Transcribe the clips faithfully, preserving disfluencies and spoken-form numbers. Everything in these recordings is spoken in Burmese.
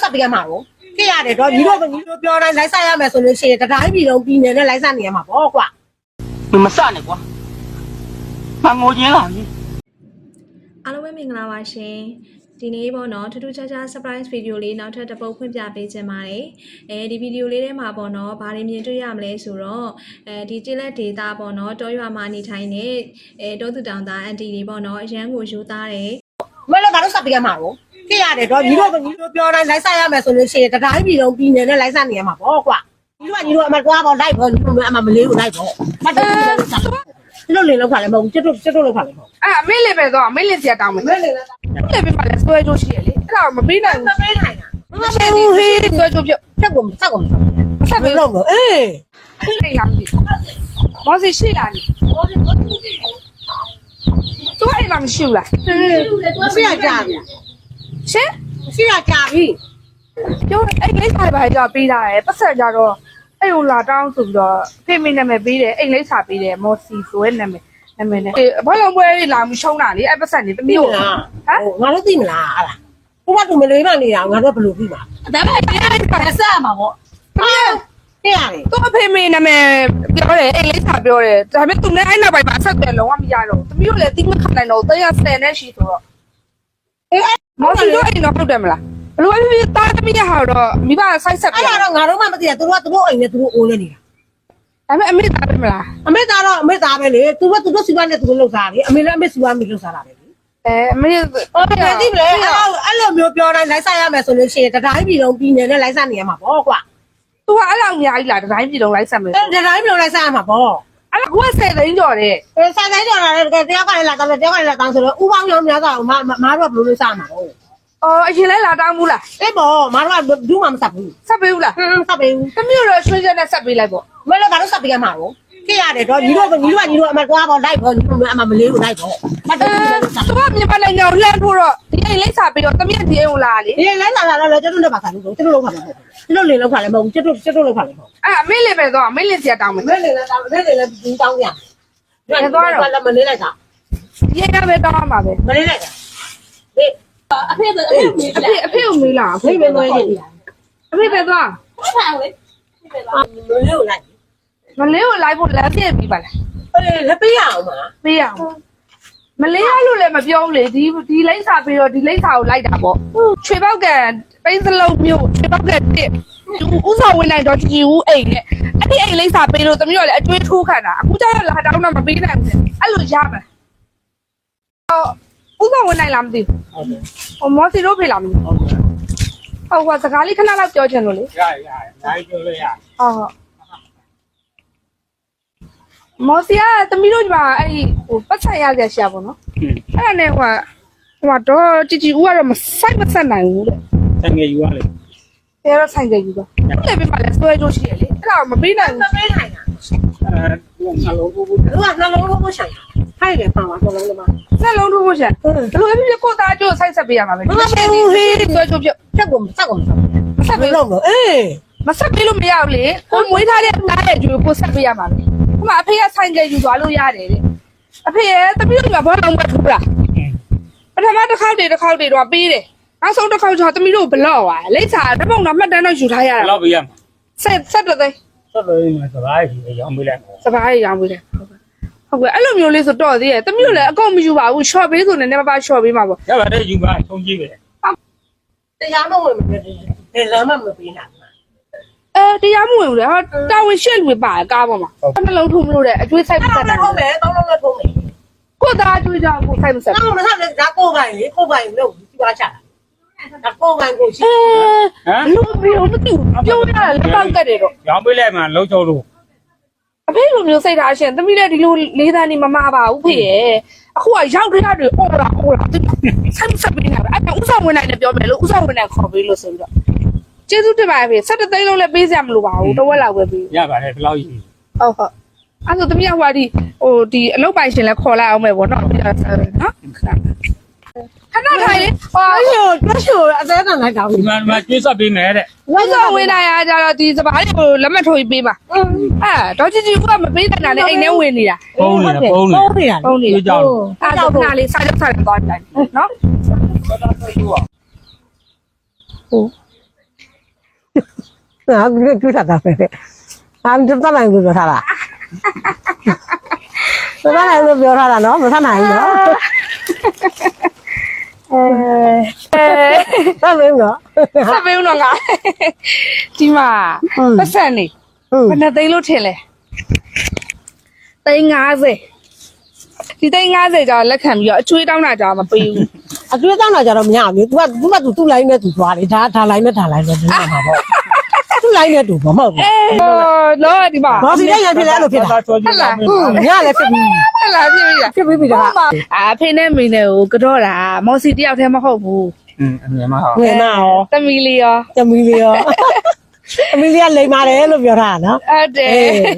ဆက်ပေးရမှာတော့ကြည့်ရတယ်တော့ညီတို့ကညီတို့ပြောတိုင်းလိုက်ဆက်ရမယ်ဆိုလို့ရှိရင်တတိုင်းပြည်လုံးပြည်နယ်နဲ့လိုက်ဆက်နေရမှာပေါ့ကွာမစနဲ့ကွာမငိုချင်းလာပြီအားလုံးပဲမင်္ဂလာပါရှင်ဒီနေ့ပေါ့နော်ထူးထူးခြားခြား surprise video လေးနောက်ထပ်တစ်ပုဒ်ဖွင့်ပြပေးခြင်းပါတယ်အဲဒီ video လေးထဲမှာပေါ့နော်ဘာတွေမြင်တွေ့ရမလဲဆိုတော့အဲဒီကျေးလက်ဒေတာပေါ့နော်တောရွာမှာနေထိုင်နေအဲတောသူတောင်သားအန်တီတွေပေါ့နော်အရန်ကိုယူသားတယ်မလည်းကတော့ဆက်ပေးရမှာတော့ကြည့်ရတယ်တော့ညီတို့ကညီတို့ပြောတိုင်းလိုက်ဆက်ရမယ်ဆိုလို့ရှိရင်တတိုင်းပြည်လုံးပြည်နယ်နဲ့လိုက်ဆက်နေရမှာပေါ့ကွာညီတို့ကညီတို့အမကွာပေါ့လိုက်ပေါ့ညီတို့အမမလေးကိုလိုက်ပေါ့မတ်တယ်ကျွန်တော်လင်းလောက်ခါလည်းမဟုတ်ကျွတ်ကျွတ်လောက်ခါလည်းမဟုတ်အဲ့အမေလေးပဲတော့အမေလေးစီတောင်းမယ်မလေးလည်းလေးပဲပါလဲဆွဲကြိုးရှိရလေအဲ့ဒါမပေးနိုင်ဘူးမပေးနိုင်တာမပေးဘူးဟေးဆွဲကြိုးပြဆက်ကုန်ဆက်ကုန်ဆက်ပေးလို့အေးအဲ့ဒါရမ်းပြီမောစီရှိလာနေသူအဲ့မှာမရှိဘူးလားရှိရကြပြီရှင်ရှိရကြပြီပြောအဲ့လိမ့်စာပါကြပေးတာရယ်ပတ်ဆက်ကြတော့အဲ့ဟိုလာတောင်းဆိုပြီးတော့ဖေမင်းနာမည်ပေးတယ်အိမ်လိမ့်စာပေးတယ်မော်စီဆိုရဲ့နာမည်နာမည်နဲ့ဘာလုံးပွဲလာမှုရှုံးတာလေအဲ့ပတ်ဆက်နေတမျိုးဟမ်ငါတို့သိမလားအဲ့ဒါဘုရားသူမလေးမနေတာငါတို့ဘယ်လိုသိမှာဒါပေမဲ့အဲ့ဆက်မှာပေါ့သိရတယ်သူအဖေမင်းနာမည်ပြောတယ်အိမ်လိမ့်စာပြောတယ်ဒါပေမဲ့သူနဲ့အဲ့နောက်ပိုင်းမှာဆက်တယ်လုံးဝမရတော့တမျိုးလည်းတိမခနိုင်တော့တရားဆယ်နဲ့ရှိဆိုတော့အေးမော်စီတို့အိမ်တော့ဟုတ်တယ်မလားဘလို့ဖြစ်ဖြစ်တားသမီးရဟာတော့မိဘဆိုက်ဆက်ပြအဲ့ဒါတော့ငါတို့မှမသိတာသူတို့ကသူတို့အိမ်နဲ့သူတို့အိုးနေနေတာဒါပေမဲ့အမေသားပဲမလားအမေသားတော့အမေသားပဲလေသူကသူတို့စီပွားနဲ့သူတို့လှုပ်စားတယ်အမေလည်းအမေစီပွားမိလှုပ်စားတာပဲလေအဲအမေဟုတ်တယ်သိမလဲအဲ့လိုမျိုးပြောတိုင်းလိုက်ဆက်ရမယ်ဆိုလို့ရှိရင်တတိုင်းပြည်လုံးပြည်နယ်နဲ့လိုက်ဆက်နေရမှာပေါ့ကွာသူကအဲ့လောက်အများကြီးလားတတိုင်းပြည်လုံးလိုက်ဆက်မယ်တတိုင်းပြည်လုံးလိုက်ဆက်ရမှာပေါ့အဲ့ဒါကဆယ်သိန်းကျော်တဲ့အဲဆယ်သိန်းကျော်လာတယ်တယောက်ကလည်းလာတော့တယောက်ကလည်းလာတောင်းဆိုတော့ဥပေါင်းရောများတော့မမတို့ကဘယ်လိုလုပ်စားမှာလဲအော်အရင်လဲလာတောင်းဘူးလားအေးပေါ့မတို့ကဘူးမှမဆက်ဘူးဆက်ပေးဘူးလားဟမ်ဆက်ပေးဘူးတမျိုးတော့ရွှေချက်နဲ့ဆက်ပေးလိုက်ပေါ့မလည်းကတော့ဆက်ပေးရမှာတော့ကြည့်ရတယ်တော့ညီတို့ကညီတို့ကညီတို့အမကွာပေါ့လိုက်ပေါ့ညီတို့အမမလေးကိုလိုက်ပေါ့မတ်တယ်သူကမြန်မာနိုင်ငံကိုလှမ်းထိုးတော့ဒီအိမ်လိမ့်စာပြီးတော့တမက်ဒီအိမ်ကိုလာလေဒီအိမ်လိုက်လာလာတော့ကျွတ်တို့ပါဆိုင်လို့ကျွတ်တို့လောက်ခါမှာပေါ့ကျွတ်တို့လင်းလောက်ခါလည်းမဟုတ်ကျွတ်တို့ကျွတ်တို့လောက်ခါလည်းမဟုတ်အဲ့အမေလေးပဲတော့အမေလေးစီတောင်းမယ်အမေလေးလည်းတောင်းအမေလေးလည်းဒီတောင်းပြန်ဘယ်သွားတော့လည်းမလေးလိုက်တာဒီအိမ်ကပဲတောင်းမှာပဲမလေးလိုက်တာဒီအဖေအဖေအဖေကိုမေးလာအဖေပဲသွားနေတယ်အဖေပဲသွားဟုတ်ပါဘူးလေမလေးကိုလိုက်မလေးကိုလိုက်ဖို့လမ်းပြည့်ပြီးပါလားအေးလက်ပေးရအောင်ပါပေးရအောင်မလေးရလို့လည်းမပြောဘူးလေဒီဒီလိမ့်စာပြီးတော့ဒီလိမ့်စာကိုလိုက်တာပေါ့ချွေပေါက်ကပိန်းစလုံးမျိုးချွေပေါက်ကတစ်ဥစားဝင်နိုင်တော့ကြည်ဦးအိမ်နဲ့အဲ့ဒီအိမ်လိမ့်စာပေးလို့တမီးတို့လည်းအကျွေးထိုးခံတာအခုကျတော့လာတောင်းတော့မပေးနိုင်ဘူးအဲ့လိုရမယ်ဟောဥစားဝင်နိုင်လားမသိဘူးဟုတ်တယ်ဟောမော်စီတို့ဖေးလားမသိဘူးဟုတ်တယ်ဟောစကားလေးခဏလောက်ပြောချင်လို့လေရရနိုင်ပြောလို့ရဟုတ်ဟုတ်မော်စီကတမီးတို့ဒီမှာအဲ့ဒီဟိုပတ်ဆက်ရကြရှာပေါ့နော်အဲ့ဒါနဲ့ဟိုဟိုတော့ជីជីဦးကတော့မဆိုင်မဆက်နိုင်ဘူးတဲ့ဆိုင်ငယ်ယူရလေတဲတော့ဆိုင်ငယ်ယူပါအဲ့လည်းပြပါလဲဆွဲကြိုးရှိရလေအဲ့ဒါမပေးနိုင်ဘူးမပေးနိုင်တာအဲနှလုံးထိုးဖို့သူကနှလုံးထိုးဖို့ဆိုင်ဖိုက်တယ်ပါပါနှလုံးလုံးနှလုံးထိုးဖို့ဆိုင်ဘယ်လိုဖြစ်ဖြစ်ကိုသားကျိုးဆိုင်ဆက်ပေးရမှာပဲမပေးဘူးဟေးဆွဲကြိုးပြဆက်ကုန်ဆက်ကုန်ဆက်ပေးလို့အေးမဆက်ပေးလို့မရဘူးလေကိုမွေးထားတဲ့သားရဲ့ကျိုးကိုဆက်ပေးရမှာပဲဟိုမှာအဖေကဆိုင်ငယ်ယူသွားလို့ရတယ်တဲ့အဖေရဲ့တပည့်တို့ကဘောလုံးမထိုးလားပထမတစ်ခေါက်တည်းတစ်ခေါက်တည်းတော့ပေးတယ်နောက်ဆုံးတစ်ခေါက်ကျတော့တမီးတို့ဘလော့သွားလိမ့်စာတပုံတော့မှတ်တမ်းတော့ယူထားရတာဘလော့ပေးရမှာဆက်ဆက်တော့သိဆက်လို့စဘာကြီးရောင်းပေးလိုက်စဘာကြီးရောင်းပေးတယ်ဟုတ်ကဲ့အဲ့လိုမျိုးလေးဆိုတော့သေးရဲ့တမီးတို့လည်းအကုန်မယူပါဘူး short ပေးဆိုနေနေပါပါ short ပေးမှာပေါ့ရပါတယ်ယူပါထုံးကြည့်ပဲတရားမဝင်မပေးတယ်လမ်းမမပေးနိုင်အဲတရားမဝင်ဘူးလေဟာတာဝန်ရှက်လူပါကားပေါ်မှာနှလုံးထုံးမလို့တဲ့အကျွေးဆိုင်ပတ်တယ်ဟုတ်မယ်တောင်းလုံးလည်းထုံးမယ်ကိုသားအကျွေးကြောင့်ကိုဆိုင်မဆက်ဘူးတောင်းလုံးလည်းဒါကိုပိုင်လေကိုပိုင်လို့ဒီပါချတာဒါကိုပိုင်ကိုရှိဟမ်လူမျိုးမသိဘူးပြောရတာလက်ပေါက်ကတ်တယ်တော့ရောင်းပေးလိုက်မှလုံးချုံလို့အဖေလိုမျိုးစိတ်ထားရှင်သမီးလည်းဒီလိုလေးသားနေမမပါဘူးဖေရဲ့အခုကရောက်ကြရတွေအော်လာအော်လာဆိုင်ဆက်ပေးနေတာအဲ့ဒါဥစားဝင်နိုင်တယ်ပြောမယ်လို့ဥစားဝင်နိုင်ခေါ်ပေးလို့ဆိုပြီးတော့ကျေးဇူးတင်ပါတယ်ဖေ၁၇သိန်းလုံးလည်းပေးစရာမလိုပါဘူးတဝက်လောက်ပဲပေးရပါတယ်ဘယ်လောက်ကြီးဟုတ်ဟုတ်အဲ့ဆိုသမီးကဟိုဒီဟိုဒီအလုပ်ပိုင်ရှင်လည်းခေါ်လိုက်အောင်မယ်ဗောနော်နော်ခဏထိုင်လေဟောရိုးတွတ်ရှိုအသေးကလိုက်တာဒီမှာမှာကျွေးဆက်ပေးမယ်တဲ့ဝိဇောဝင်လာရကြတော့ဒီစပါးလေးကိုလက်မှတ်ထိုးပေးပါအဲတော့ជីជីကမပေးတဲ့နာနဲ့အိမ်ထဲဝင်နေတာပုံးနေတာပုံးနေတာပုံးနေတာပုံးနေတာကြောက်အဲ့တော့ခဏလေးစားကြစားကြသွားတယ်နော်ဟို啊，你就啥子呗？啊，你这咋来就说啥了？这咋来就表啥了？喏，没啥难的。 အဲအဲ咋没有？ ဆက်ပေးဦးတော့ငါဒီမှာပတ်စံနေ嗯ဘယ်နဲ့သိန်းလို့ထင်လဲသိန်း50ဒီသိန်း50ကျော်လက်ခံပြီးတော့အချွေးတောင်းတာကြောင်မပေးဘူး啊，最当那叫他们家的，我我嘛都都来那都抓的，他他来那他来那真的嘛不，都来那都不嘛不。 ဟောတော့ဒီမှာ我现在也别来了，别来。 ဟုတ်လား嗯，人家来这边， ဟုတ်လားပြည့်ပြီလား这边别的。 အာဖေနဲ့မိနဲ့ကိုကတော့တာမော်စီတယောက်တည်းမဟုတ်ဘူးอืมအမြင်မဟုတ်我那哦， တမီလီရော这没的哦，没的来嘛的了，别他呢。 ဟုတ်တယ်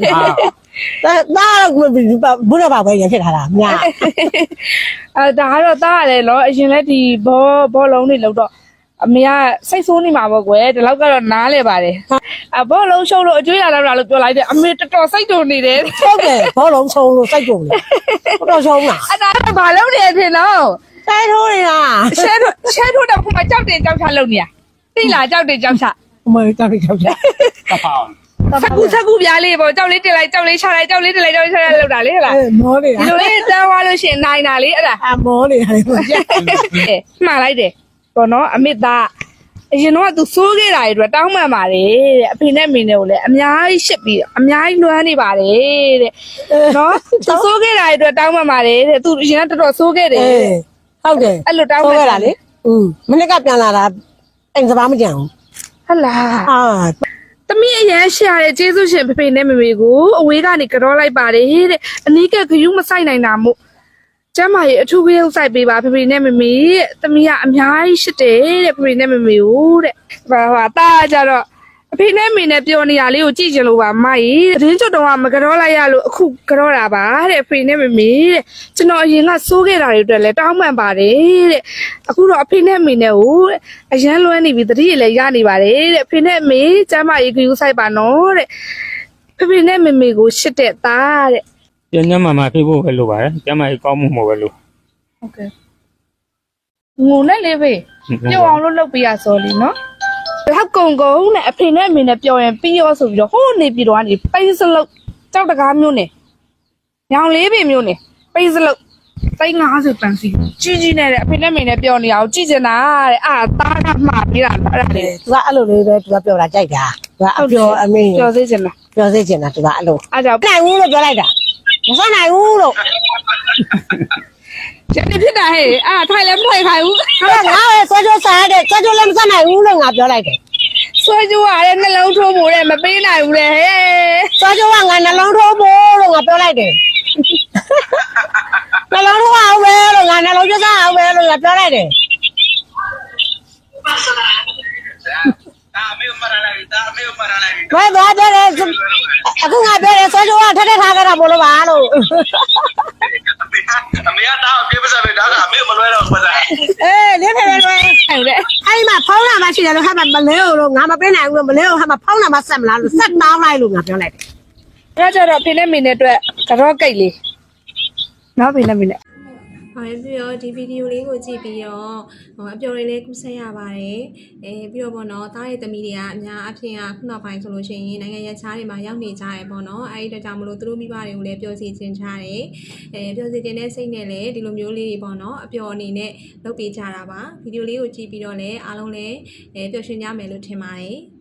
ဟာ那那我不不不知道把我也骗他了，呀。 အဲဒါကတော့တားရတယ်နော်အရင်လက်ဒီဘောဘောလုံးတွေလောက်တော့အမေကစိတ်ဆိုးနေမှာပေါ့ကွယ်ဒီလောက်ကတော့နားလဲပါတယ်အဘောလုံးရှုံးလို့အကျွေးလာတော့လို့ပြောလိုက်တယ်အမေတော်တော်စိတ်တုန်နေတယ်ဟုတ်တယ်ဘောလုံးချုံလို့စိုက်ကြုံတယ်ဘတော်ချုံလားအဲ့ဒါကဘာလုပ်နေဖြစ်နော်စိုက်ထိုးနေတာရှဲထုတ်ရှဲထုတ်တော့ခုမှကြောက်တယ်ကြောက်ချလုပ်နေရသိလားကြောက်တယ်ကြောက်ချအမေတောက်တောက်ချက်ကပောင်းဆက်ကူဆက်ကူပြားလေးပေါ့ကြောက်လေးတင်လိုက်ကြောက်လေးချလိုက်ကြောက်လေးတင်လိုက်ကြောက်လေးချလိုက်လောက်တာလေဟလားအဲမောနေဒီလိုလေးတန်းသွားလို့ရှိရင်နိုင်တာလေအဲ့ဒါအမောနေတယ်ကိုကြက်မှားလိုက်တယ်ပေါ့နော်အမေသားအရင်တော့သူစိုးခဲ့တာတွေတောင်းမှန်ပါတယ်တဲ့အဖေနဲ့မိနဲ့ကိုလည်းအများကြီးရှစ်ပြီးအများကြီးလွှမ်းနေပါတယ်တဲ့နော်သူစိုးခဲ့တာတွေတောင်းမှန်ပါတယ်တဲ့သူအရင်ကတော်တော်စိုးခဲ့တယ်အေးဟုတ်တယ်အဲ့လိုတောင်းဟုတ်မှန်ကဲ့လားလေอืมမနေ့ကပြန်လာတာအိမ်စပါးမကြံဘူးဟလာအာသမီးအရန်ရှာတဲ့ကျေးဇူးရှင်ဖေဖေနဲ့မေမေကိုအဝေးကနေကြောလိုက်ပါတယ်တဲ့အနီးကခရူးမဆိုင်နိုင်တာမို့ကျမရဲ့အထူးခရုပ်ဆိုင်ပေးပါဖေဖေနဲ့မေမေတဲ့သမီးကအများကြီးရှစ်တယ်တဲ့ဖေဖေနဲ့မေမေကိုတဲ့ဘာဟာတာကြတော့အဖေနဲ့မေနဲ့ပြောနေရလေးကိုကြည့်ကြလို့ပါမကြီးသတင်းကြွတော့မကြောလိုက်ရလို့အခုကြောတာပါတဲ့အဖေနဲ့မေမေတဲ့ကျွန်တော်အရင်ကစိုးခဲ့တာတွေအတွက်လည်းတောင်းပန်ပါတယ်တဲ့အခုတော့အဖေနဲ့မေနဲ့ကိုအရန်လွှမ်းနေပြီတတိရလည်းရနေပါတယ်တဲ့အဖေနဲ့မေကျမရေခရူးဆိုင်ပါနော်တဲ့ဖေဖေနဲ့မေမေကိုရှစ်တဲ့သားတဲ့ညညမမဖြစ်ဖို့ပဲလိုပါတယ်ကျမကြီးကောင်းမှုမို့ပဲလို့ဟုတ်ကဲ့ငုံနဲ့လေးဖေပြောအောင်လို့လုပ်ပေးရစော်လीနော်လောက်ကုံကုံနဲ့အဖေနဲ့အမေနဲ့ပြောရင်ပြီးရောဆိုပြီးတော့ဟိုးနေပြီးတော့ကနေပိစလုတ်ကြောက်တကားမျိုးနဲ့ညောင်လေးပင်မျိုးနဲ့ပိစလုတ်သိန်း50ပန်စီကြီးကြီးနဲ့တဲ့အဖေနဲ့အမေနဲ့ပြောနေအောင်ကြည့်ချင်တာတဲ့အာသားကမှားပြီးတာအဲ့ဒါလေသူကအဲ့လိုလေးပဲသူကပြောတာကြိုက်တာသူကအပြောအမေပြောသေးချင်တာပြောစေချင်တာသူကအဲ့လိုအားကြောင့်နိုင်ဘူးလို့ပြောလိုက်တာမစနိုင်ဘူးလို့ကျန်နေဖြစ်တာဟဲ့အာထိုင်လည်းမထိုင်ခိုင်းဘူးဟာငါလည်းဆွဲကြိုးစားတယ်ဆွဲကြိုးလည်းမစနိုင်ဘူးလို့ငါပြောလိုက်တယ်ဆွဲကြိုးရတဲ့နှလုံးထိုးမှုတဲ့မပေးနိုင်ဘူးလေဟဲ့ဆွဲကြိုးကငါနှလုံးထိုးဖို့လို့ငါပြောလိုက်တယ်နှလုံးထိုးအောင်ပဲလို့ငါနှလုံးကျစားအောင်ပဲလို့ငါပြောလိုက်တယ်ဒါအမေမရလိုက်ဒါအမေမရလိုက်ဘယ်သွားပြောလဲအခုငါပြောတယ်ဆွဲကြိုးကထက်ထက်ထားကြတာမလို့ပါလို့အမေကတော့ပြေးပစားပဲဒါကအမေမလွဲတော့ဘူးပစားအေးလေးဖေလေးလေးဟုတ်တယ်အဲ့ဒီမှာဖုန်းလာမှရှိတယ်လို့ဟာမမလဲလို့ငါမပေးနိုင်ဘူးလို့မလဲလို့ဟာမဖုန်းလာမှဆက်မလားလို့ဆက်တောင်းလိုက်လို့ငါပြောလိုက်တယ်ဒါကြတော့ဖေနဲ့မေနဲ့အတွက်ကတော့ကိတ်လေးနော်ဖေနဲ့မေနဲ့။ဟုတ်ပြီးတော့ဒီဗီဒီယိုလေးကိုကြည့်ပြီးတော့ဟိုအပျော်လေးလေးကူးဆက်ရပါတယ်။အဲပြီးတော့ပေါ့နော်တားရဲ့သမီးတွေကအများအဖြစ်ကခုနောက်ပိုင်းဆိုလို့ရှိရင်နိုင်ငံရပ်ခြားတွေမှာရောက်နေကြရပေါ့နော်။အဲဒီတော့ကြောင့်မလို့သူတို့မိဘတွေကိုလည်းပျော်စီခြင်းချတယ်။အဲပျော်စီခြင်းတဲ့စိတ်နဲ့လည်းဒီလိုမျိုးလေးတွေပေါ့နော်အပျော်အနေနဲ့လုပ်ပေးကြတာပါ။ဗီဒီယိုလေးကိုကြည့်ပြီးတော့လည်းအားလုံးလည်းအဲပျော်ရွှင်ကြမယ်လို့ထင်ပါတယ်။